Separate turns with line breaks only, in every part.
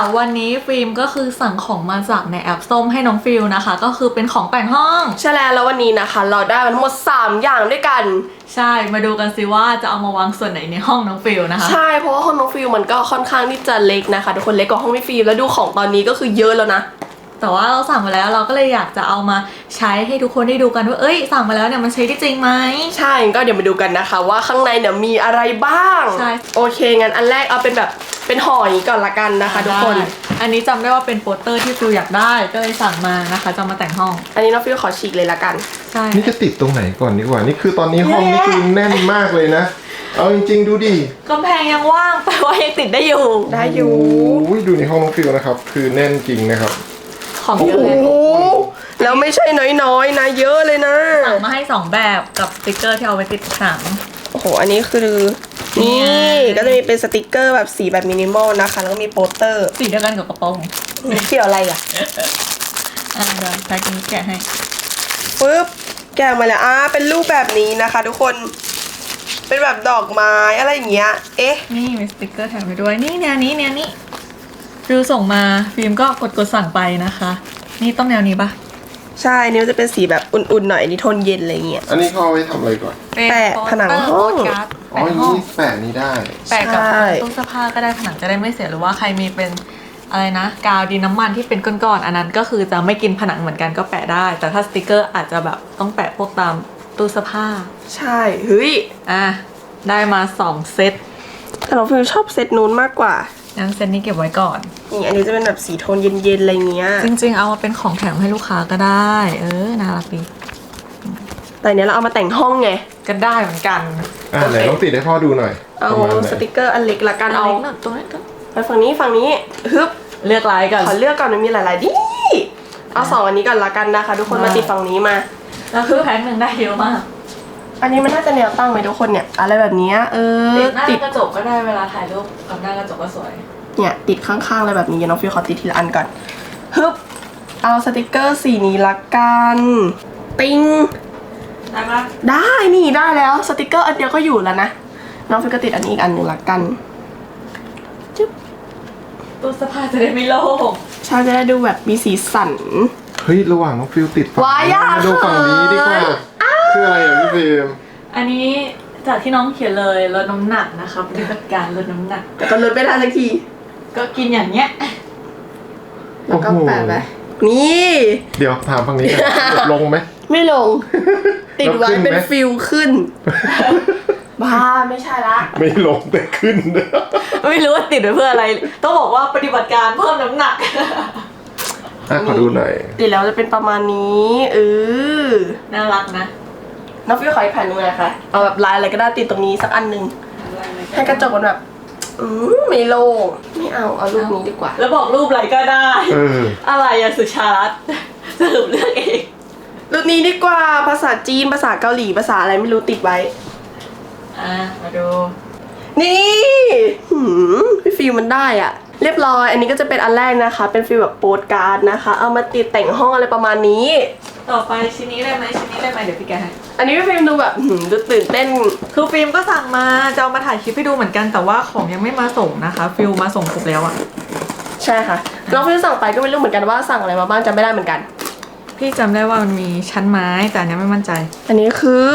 วันนี้ฟิล์มก็คือสั่งของมาจากในแอปส้มให้น้องฟิลนะคะก็คือเป็นของแต่งห้อง
ใช่แล้ววันนี้นะคะเราได้มาทั้งหมด3อย่างด้วยกัน
ใช่มาดูกันสิว่าจะเอามาวางส่วนไหนในห้องน้องฟิลนะคะ
ใช่เพราะว่าห้องน้องฟิลมันก็ค่อนข้างที่จะเล็กนะคะทุกคนเล็กกว่าห้องพี่ฟิลแล้วดูของตอนนี้ก็คือเยอะแล้วนะ
แต่ว่าเราสั่งมาแล้วเราก็เลยอยากจะเอามาใช้ให้ทุกคนได้ดูกันว่าสั่งมาแล้วเนี่ยมันใช้ได้จริงไหม
ใช่ก็เดี๋ยวมาดูกันนะคะว่าข้างในเนี่ยมีอะไรบ้าง
ใช่
โอเคงั้นอันแรกเอาเป็นแบบเป็นห่ออย่างนี้ก่อนละกันนะคะทุกคน
อันนี้จำได้ว่าเป็นโปสเตอร์ที่ฟิลอยากได้ก็เลยสั่งมานะคะจะมาแต่งห้อง
อันนี้น้องฟิลขอฉีกเลยละกัน
ใช่
นี่จะติดตรงไหนก่อนดีกว่านี่คือตอนนี้ห้องนี่คือแน่นมากเลยนะเอาจริงๆดูดิ
กำแพงยังว่างแปลว่ายังติดได้อยู่
โอ้ยดูในห้องน้องฟิลนะครับคือแน่นจริงนะครับ
ของเยอะเลย
แล้วไม่ใช่น้อยๆนะเยอะเลยนะ
สั่งมาให้2แบบกับสติกเกอร์ที่เอาไว้ติดหนัง
โอ้โหอันนี้คือนี่ก็จะมีเป็นสติกเกอร์แบบสีแบบมินิมอลนะคะแล้วก็มีโปสเตอร์
สีเดียวกันกับกระโปรง
เกี่ยวอะไรอ่ะ
เดี๋ยวใช้กันแกะให้
ปึ๊บแกะมาแล้วเป็นรูปแบบนี้นะคะทุกคนเป็นแบบดอกไม้อะไรอย่างเงี้ย
นี่มีสติกเกอร์แถมไปด้วยนี่แนวนี้ฟิลส่งมาฟิล์มก็กดสั่งไปนะคะนี่ต้องแนวนี้ปะ
ใช่นี่มันจะเป็นสีแบบอุ่นๆหน่อยนี่โทนเย็นอะไรเงี้ย
อันนี้เขาเอาไว้ทำอะไรก่อน
แปะผนังห้อง
อ๋อนี่แปะนี้ได้
แปะกับตู้เสื้อผ้าก็ได้ผนังจะได้ไม่เสียหรือว่าใครมีเป็นอะไรนะกาวดินน้ำมันที่เป็นก้อนๆอันนั้นก็คือจะไม่กินผนังเหมือนกันก็แปะได้แต่ถ้าสติกเกอร์อาจจะแบบต้องแปะพวกตามตู้เสื้อผ้า
ใช่เฮ้ย
ได้มา2เซต
แต่เราฟิลชอบเซตนู้นมากกว่า
งั้นเซตนี้เก็บไว้ก่อน
นี่อันนี้จะเป็นแบบสีโทนเย็นๆอะไรเงี้ย
จริงๆเอามาเป็นของแถมให้ลูกค้าก็ได้น่ารักดี
แต่เนี้ยเราเอามาแต่งห้องไง
ก็ได้เหมือนกัน
ไหนต้องติดให้พ่อดูหน่อย
เอาสติกเกอร์อันเล็กละกันเอา
ตรงนี้
ไปฝั่งนี้ฮึบ
เลือกลายกัน
ขอเลือกก่อนมันมีหลายๆดิเอา2อันนี้ก่อนละกันนะคะทุกคนมาติดฝั่งนี้มา
แล้วคือแพ็คหนึ่งได้เยอะมาก
อันนี้มันน่าจะแนวตั้งไหมทุกคนเนี่ยอะไรแบบนี้
ติดหน้ากระจกก็ได้เวลาถ่ายรูปกับหน้ากระจกก็สวย
เนี่ยติดข้างๆอะไรแบบนี้น้องฟิวขอติดทีละอันก่อนฮึบเอาสติกเกอร์สีนี้ละกันติ้ง
ได้ปะ
ได้นี่ได้แล้วสติกเกอร์อันเดียวก็อยู่แล้วนะน้องฟิวก็ติดอันนี้อีกอันหนึ่งละกันจุ๊บ
ตู้เสื้อผ้าจะได้ไม่โล่ง
ใช่จะได้ดูแบบมีสีสัน
เฮ้ยระหว่างน้องฟิลติดฝั่งนี้มาดูฝั่งนี้ดีกว่าคืออะไรพี่ฟิล์ม
อันนี้จากที่น้องเขียนเลยลดน้ำหนักนะคะปฏิบัติการลดน้ำหนัก
แต่ก็ลดไม่ทันสักที
ก็กินอย่างเงี้ย
แล้วก็แปะไปนี่
เดี๋ยวถามฝั่งนี้กันลงไหม
ไม่ลงติดไว้เป็นฟิลขึ้นบ้าไม่ใช่ละ
ไม่ลงแต่ขึ้น
ไม่รู้ว่าติดไว้เพื่ออะไรต้องบอกว่าปฏิบัติการเพิ่มน้ำหนัก
ขอดูหน่อย
ติดแล้วจะเป็นประมาณนี้
น่ารักนะ
น้องฟิวขออีกแผ่นนึงนะคะเอาแบบลายอะไรก็ได้ติดตรงนี้สักอันนึงให้กระจกมันแบบไม่โล่งไม่เอารูปนี้ดีกว่า
แล้วบอกรูปอะไรก็ได้อะไรอะสุชาติสรุปเลือกเอง
รูปนี้ดีกว่าภาษาจีนภาษาเกาหลีภาษาอะไรไม่รู้ติดไว้
มาดู
นี่พี่ฟิวมันได้อ่ะเรียบร้อยอันนี้ก็จะเป็นอันแรกนะคะเป็นฟิลแบบโปสการ์ดนะคะเอามาติดแต่งห้องอะไรประมาณนี้
ต่อไปชิ้นนี้ได้ไหมเดี๋ยวพี่แกให้
อันนี้พี่ฟิล์มดูแบบดูตื่นเต้น
คือฟิล์มก็สั่งมาจะเอามาถ่ายคลิปให้ดูเหมือนกันแต่ว่าของยังไม่มาส่งนะคะฟิลมาส่งครบแล้วอ่ะ
ใช่ค่ะน้องฟิล์มสั่งไปก็ไม่รู้เหมือนกันว่าสั่งอะไรมาบ้างจำไม่ได้เหมือนกัน
พี่จำได้ว่ามันมีชั้นไม้แต่อันนี้ไม่มั่นใจ
อันนี้คือ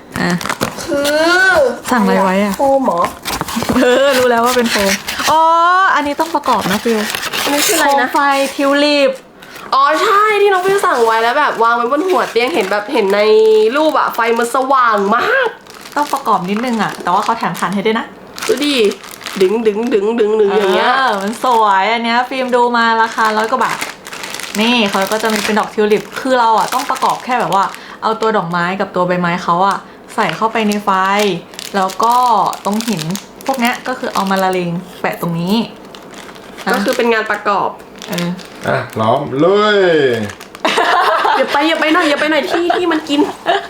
สั่งอะไรไว้อะ
โฟมหรอ
รู้แล้วว่าเป็นโฟมอันนี้ต้องประกอบนะฟิล
อันนี้คืออะไรนะ
ไฟทิวลิป
ใช่ที่น้องฟิวสั่งไว้แล้วแบบวางไว้บนหัวเตียงเห็นแบบเห็นในรูปอะไฟมันสว่างมาก
ต้องประกอบนิดนึงอะแต่ว่าเขาแถมฐานให้ด้วยนะ
ดูดิดึงอย่างเงี้ย
มันสวยอันเนี้ยฟิล์มดูมาราคา100 กว่าบาทนี่เขาก็จะมีเป็นดอกทิวลิปคือเราอะต้องประกอบแค่แบบว่าเอาตัวดอกไม้กับตัวใบไม้เขาอะใส่เข้าไปในไฟแล้วก็ตรงหินพวกนี้ก็คือเอามาละเลงแปะตรงนี้
ก็คือเป็นงานประกอบ
ล้อมเลย
อย่าไปหน่อยที่มันกิน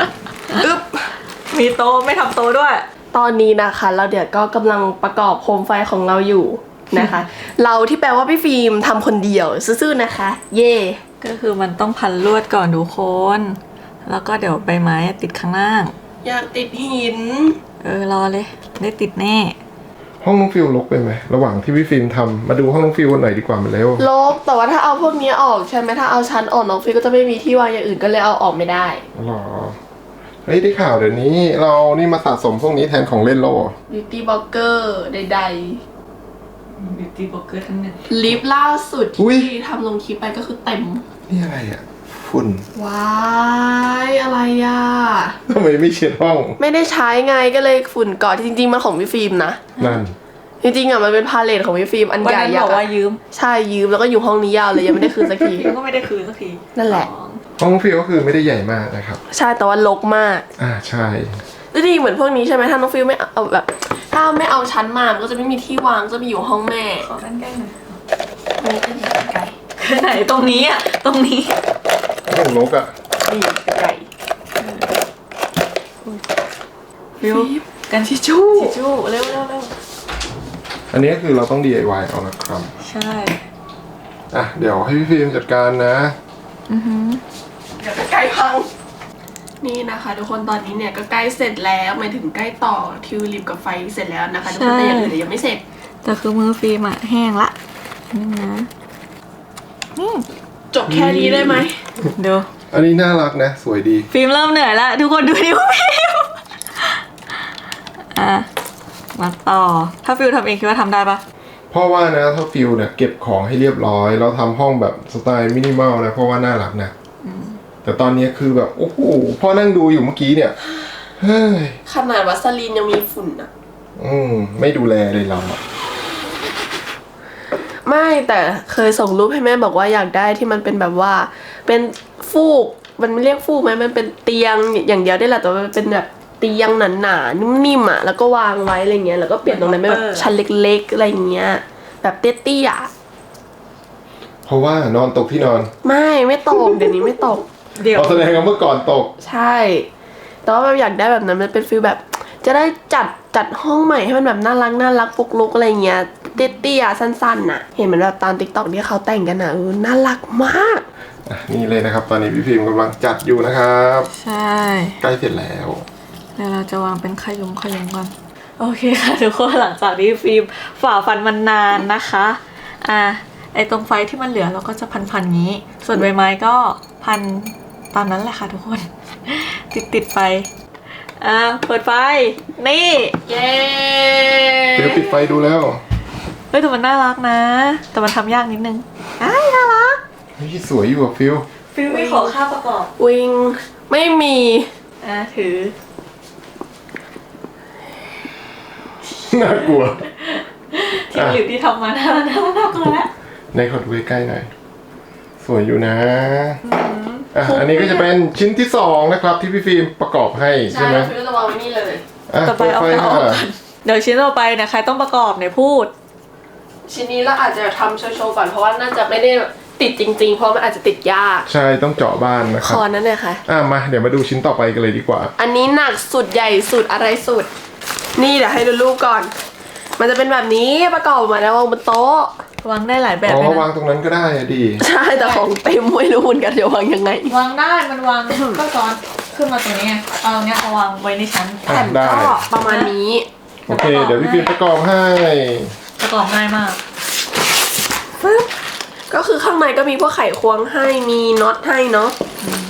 มีโตไม่ทำโตด้วย
ตอนนี้นะคะเราเดี๋ยวก็กำลังประกอบโคมไฟของเราอยู่นะคะเราที่แปลว่าพี่ฟิล์มทำคนเดียวซื่อๆนะคะเย่
ก็คือมันต้องพันลวดก่อนทุกคนแล้วก็เดี๋ยวใบไม้ติดข้างล่าง
อยากติดหิน
รอเลยได้ติดแน่
ห้องน้องฟิลรกไปไหมระหว่างที่พี่ฟิล์มทำมาดูห้องน้องฟิลหน่อยดีกว่ามันเร็ว
ลบแต่ว่าถ้าเอาพวกนี้ออกใช่ไหมถ้าเอาชั้นออกน้องฟิลก็จะไม่มีที่วางอย่างอื่นก็เลยเอาออกไม่ได้
หรอเฮ้ยได้ข่าวเดี๋ยวนี้เรานี่มาสะสมพวกนี้แทนของเล่นแล้วเหรอ
Beauty Blogger ใด
บิวตี้บล็อกเกอร์ทั้งนั้น
ๆลิปล่าสุดที่ทำลงคลิปไปก็คือเต็ม
นี่อะไรอ่ะฝุ่น
ว้ายอะไรอ่ะ
ทำไมไม่เช็ดห้อง
ไม่ได้ใช้ไงก็เลยฝุ่นเกาะจริงๆมันของพี่ฟิล์มนะ
นั่น
จริงๆอ่ะมันเป็นพาเลทของพี่ฟิล์มอัน
วัน
ใหญ่
นั้น
ยั
บ
ก
อก
ษ์
ว่ายืม
ใช่ยืมแล้วก็อยู่ห้องนี้ยาวเลยยังไม่ได้คืนสักที
แล้วก็ไม่ได้คืนสักที
นั่นแหละ
ห้องน้องฟิลก็คือไม่ได้ใหญ่มากนะครับ
ใช่แต่ว่ารกมาก
ใช่
แล้วดีเหมือนพวกนี้ใช่ไหมถ้าน้องฟิลไม่เอาแบบ ถ้าไม่เอาชั้นมามันก็จะไม่มีที่วางจะไปอยู่ห้องแม่
ขอด้านใกล้หน่อย
อันนี้ก็ดีไก่
ไหนตรงนี้อ่ะตรงนี้
ห้องรกอ่ะ
นี่ไก่
ฟิวกันทิชชู่ทิชชู่เร็วเร็วเร็ว
อันนี้ก็คือเราต้อง DIY เอานะครับ
ใช่
เดี๋ยวให้พี่ฟิล์มจัดการนะ
เดี๋ยวไก่พังนี่นะคะทุกคนตอนนี้เนี่ยก็ใกล้เสร็จแล้วหมายถึงใกล้ต่อทิวลิปกับไฟเสร็จแล้วนะคะทุกคนแต่อย่างอื่นเนี่ยยังไม่เสร็จ
แต่คือมือฟิล์มอะแห้งละนึงนะนี่
จบแค่นี้ได้ไหม
เดี๋ยว
อันนี้น่ารักนะสวยดี
ฟิล์มเริ่มเหนื่อยแล้วทุกคนดูนิ้วฟิล์มมาต่อถ้าฟิล์มทำเองคิดว่าทำได้ปะ
เพราะว่านะถ้าฟิลเนี่ยเก็บของให้เรียบร้อยแล้วทำห้องแบบสไตล์มินิมอลนะเพราะว่าน่ารักนะแต่ตอนนี้คือแบบโอ้โหพ่อนั่งดูอยู่เมื่อกี้เนี่ยเฮ้ย
ขนาดวัสลีนยังมีฝุ่นอะ
ไม่ดูแลเลยเราอะ
ไม่แต่เคยส่งรูปให้แม่บอกว่าอยากได้ที่มันเป็นแบบว่า เป็นฟูกมันไม่เรียกฟูกไหมมันเป็นเตียงอย่างเดียวได้แหละแต่ว่ามันเป็นแบบเตียงหนาๆนิ่มๆอะแล้วก็วางไว้อะไรเงี้ยแล้วก็เปลี่ยนตรงนั้นเป็นแบบชั้นเล็กๆอะไรเงี้ยแบบเตี้ยๆอะ
เพราะว่านอนตกที่นอน
ไม่ตกเดี๋ยวนี้ไม่ตก
เดี๋ยว
เราแสดงว่าเมื่อก่อนตก
ใช่ แต่ว่าแบบอยากได้แบบนั้นมันเป็นฟีลแบบ จะได้จัดห้องใหม่ให้มันแบบน่ารักปุกลุกอะไรเงี้ยเตี้ยๆสั้นๆน่ะ เห็นเหมือนแบบตามติ๊กต็อกที่เขาแต่งกันน่ะน่ารักมาก
นี่เลยนะครับ ตอนนี้พี่พิมพ์กำลังจัดอยู่นะครับ
ใช่
ใกล้เสร็จแล้ว
เดี๋ยวเราจะวางเป็นขยุมก่อนโอเคค่ะทุกคนหลังจากที่ฟิล์มฝ่าฟันมันนานนะคะไอตรงไฟที่มันเหลือเราก็จะพันงี้ ส่วนใบไม้ก็พันตามนั้นแหละค่ะทุกคน ติดไปเปิดไฟนี่
เย้
ฟิลปิดไฟดูแล้ว
เฮ้ยแต่มันน่ารักนะ แต่มันทำยากนิดนึงน่ารัก
นี่สวยอยู่อะฟิล
ฟิลมีขอค่าประกอบ
วิงไม่มี
ถือ
น่ากลัว
ที่หลิวที่ทำมาน่ากลัวแล้ว
ในขอดูใกล้ๆหน่อย สวยอยู่นะอันนี้ก็จะเป็นชิ้นที่2นะครับที่พี่ฟิล์มประกอบให้
ใช่
ใช่ไหม
ฟิลจะวางไว้นี่เลย
ต่อไปเอา
ไฟ
เอา
ค่ะ
เดี๋ยวชิ้นต่อไปเนี่ยใครต้องประกอบเนี่ยพูด
ชิ้นนี้เราอาจจะทำโชว์ๆก่อนเพราะว่าน่าจะไม่ได้ติดจริงๆ เพราะมันอาจจะติดยาก
ใช่ต้องเจาะบ้านนะค
ครับ อนั่นเลยค่ะ
มาเดี๋ยวมาดูชิ้นต่อไปกันเลยดีกว่า
อันนี้หนักสุดใหญ่สุดอะไรสุด นี่เดี๋ยวให้ดูรูปก่อน มันจะเป็นแบบนี้ประกอบมาแล้ววางบนโต๊ะ
วางได้หลายแบบ
อ๋
เลย
อวาง
นะ
ตรงนั้นก็ได้อะดี
ใช่แต่ของเต็มไม่รู้เหมือนกันจะวางยังไง
วางได้มันวาง ก็ซ้อนขึ้นมาตรงนี้ไงเอาตรงเนี้ยเอาวางไว้ในชั้น
อ่ะได้
ก็ประมาณนี้
โอเค เดี๋ยวพี่ฟิล์มประกอบให้
ประกอบง่ายมาก
ก็คือข้างในก็มีพวกไขควงให้มีน็อตให้เนาะ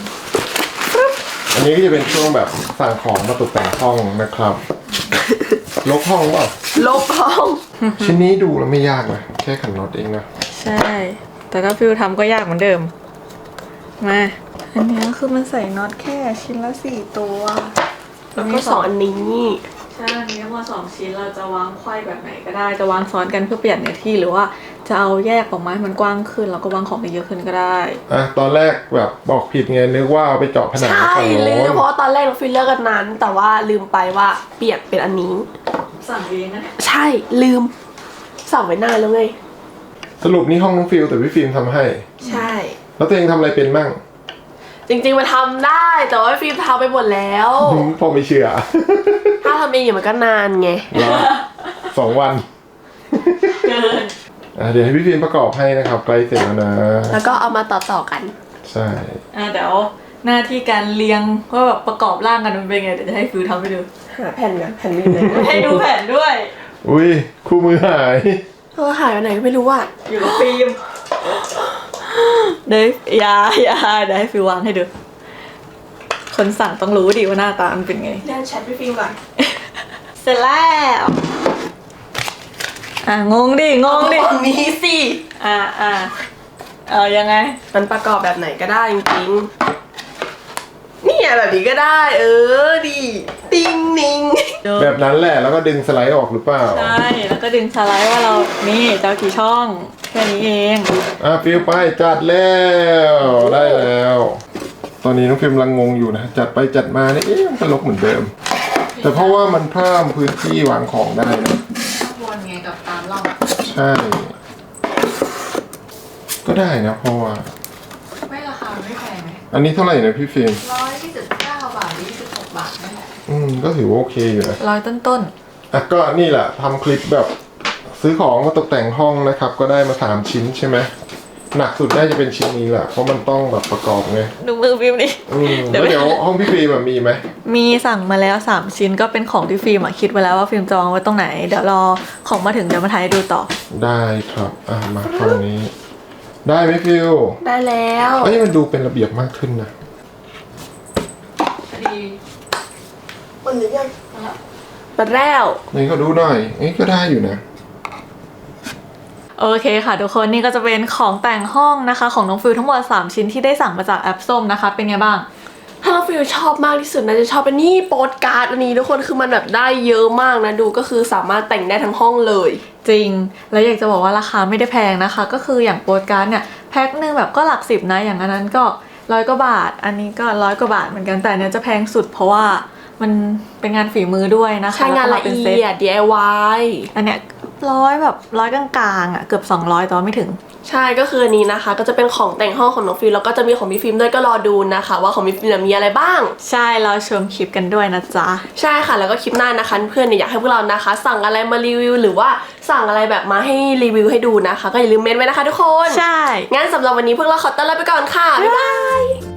อันนี้ก็จะเป็นช่วงแบบสั่งของมาตกแต่งห้องนะครับ ลกห้องเปล่า
ลบห้อง
ชิ้นนี้ดูแล้วไม่ยากนะแค่ขันน็อตเองนะ
ใช่ แต่ถ้าฟิวทำก็ยากเหมือนเดิม มาอันเนี้ยคือมันใส่น็อตแค่ชิ้นละ4 ตัว
แล้วก็สองอันนี้
ใช่อันนี้ทั้งหมด2 ชิ้นเราจะวางไขว้แบบไหนก็ได้จะวางซ้อนกันเพื่อเปลี่ยนเนื้อที่หรือว่าจะเอาแยกออกมาให้มันกว้างขึ้นแล้วก็วางของได้เยอะขึ้นก็ได้
ตอนแรกแบบบอกผิดไงนึกว่าเอาไปเจาะผนัง
ใช่
ฝั่ง
ลื
โน้
ม
น
เพราะว่าตอนแรกเราฟิลเลอร์กันนั้น แต่ว่าลืมไปว่าเปลี่ยนเป็นอันนี้
สั่งเองนะเนี่ย
ใช่ลืมสั่งไว้นานแล้วไง
สรุปนี่ห้องน้องฟิลแต่พี่ฟิล์มทำให้
ใช่
แล้วตัวเองทำอะไรเป็นมั่ง
จริงๆมันทำได้แต่ว่าฟิล์มทำไปหมดแล้ว
พอไม่เชื่อ
ถ้าทำเองมันก็นานไง
รอ2 วัน
เกิน
เดี๋ยวให้พี่ฟิล์มประกอบให้นะครับใกล้เสร็จแล้วนะ
แล้วก็เอามาต่อๆกัน
ใช่
เดี๋ยวหน้าที่การเรียงว่าแบบประกอบร่างกันมันเป็นไงเดี๋ยวจะให้ฟิวทำให้ดู
หาแผ่นกันแผ่นนี้เลย
ให้ดูแผนด้วย
อุ้ยคู่มือหาย
หายไปไหนก็ไม่รู้อ่ะ
อยู่กับฟิล์มเดี๋ยวอย่าเดี๋ยวให้ฟิววางให้ดู คนสั่งต้องรู้ดิว่าหน้าตามันเป็นไง
เล่นแชทพี่ฟิล์มก่อน
เสร็จแล้วงงดิ
ตรงนี้สิ
เอายังไง
มันประกอบแบบไหนก็ได้จริงๆนี่แบบนี้ก็ได้ ดีติ้งนิง
แบบนั้นแหละแล้วก็ดึงสไลด์ออกหรือเปล่า
ใช่ แล้วก็ดึงสไลด์ว่าเรา นี่เจ้ากี่ช่อง แค่นี้เอง
ฟิลไปจัดแล้วได้แล้ว ตอนนี้น้องฟิล์มกำลังงงอยู่นะจัดไปจัดมาเนี่ยมันก็ลกเหมือนเดิม แต่เพราะว่ามันเพิ่มพื้นที่วางของได้นะ
วนไงกับตามร่อง
ใช่ ก็ได้นะเพราะว่า
ไม่ราคาไม่แพงไหม
อันนี้เท่าไหร่นะพี่ฟิล์ม
129 บาท26 บาทนั่นแหละ
ก็ถือว่าโอเคอยู่นะ
ต้น
ก็นี่แหละทำคลิปแบบซื้อของมาตกแต่งห้องนะครับ ก็ได้มา3ชิ้นใช่ไหมหนักสุดน่าจะเป็นชิ้นนี้แหละเพราะมันต้องแบบประกอบไง
ดูมือฟิล์มดิ เดี๋ยว
แล้วเดี๋ยวห้องพี่ฟิล์มมีไหม
มีสั่งมาแล้ว3ชิ้นก็เป็นของที่ฟิล์มคิดไว้แล้วว่าฟิล์มจะวางไว้ตรงไหน เดี๋ยวรอของมาถึงเดี๋ยวมาถ่ายให้ดูต่อ
ได้ครับมาฝั่งนี้ ได้ไหมฟิล
ได้แล้ว
มันดูเป็นระเบียบมากขึ้นนะ
ดี
มันหรือยังมาแล้ว
นี่ก็ดูหน่อยก็ได้อยู่นะ
โอเคค่ะทุกคนนี่ก็จะเป็นของแต่งห้องนะคะ ของน้องฟิลทั้งหมด3ชิ้นที่ได้สั่งมาจากแอปส้มนะคะ เป็นไงบ้าง
ถ้าเราฟิลชอบมากที่สุดนะจะชอบเป็นนี่โปสการ์ดอันนี้ทุกคนคือมันแบบได้เยอะมากนะดูก็คือสามารถแต่งได้ทั้งห้องเลย
จริง แล้วอยากจะบอกว่าราคาไม่ได้แพงนะคะ ก็คืออย่างโปสการ์ดเนี่ยแพ็คหนึ่งแบบก็หลัก10นะอย่างอันนั้นก็100 กว่าบาท อันนี้ก็100 กว่าบาทเหมือนกันแต่อันเนี้ยจะแพงสุดเพราะว่ามันเป็นงานฝีมือด้วยนะคะ
ใช้งานละ
แวก็มป็
เอี
ซต
ยด DIY
อันเนี้ยแบบ100 กลางๆเกือบ200แต่ว่าไม่ถึง
ใช่ก็คืออันนี้นะคะ ก็จะเป็นของแต่งห้องของน้องฟิลแล้วก็จะมีของพี่ฟิล์มด้วยก็รอดูนะคะ ว่าของพี่ฟิล์มมีอะไรบ้าง
ใช่เราชมคลิปกันด้วยนะจ๊ะ
ใช่ค่ะแล้วก็คลิปหน้านะคะเพื่อนเนี่ยอยากให้พวกเรานะคะ สั่งอะไรมารีวิวหรือว่าสั่งอะไรแบบมาให้รีวิวให้ดูนะคะ ก็อย่าลืมเมนต์ไว้นะคะทุกคน
ใช่
งั้นสำหรับวันนี้พวกเราขอตัวลาไปก่อนค่ะบ๊ายบาย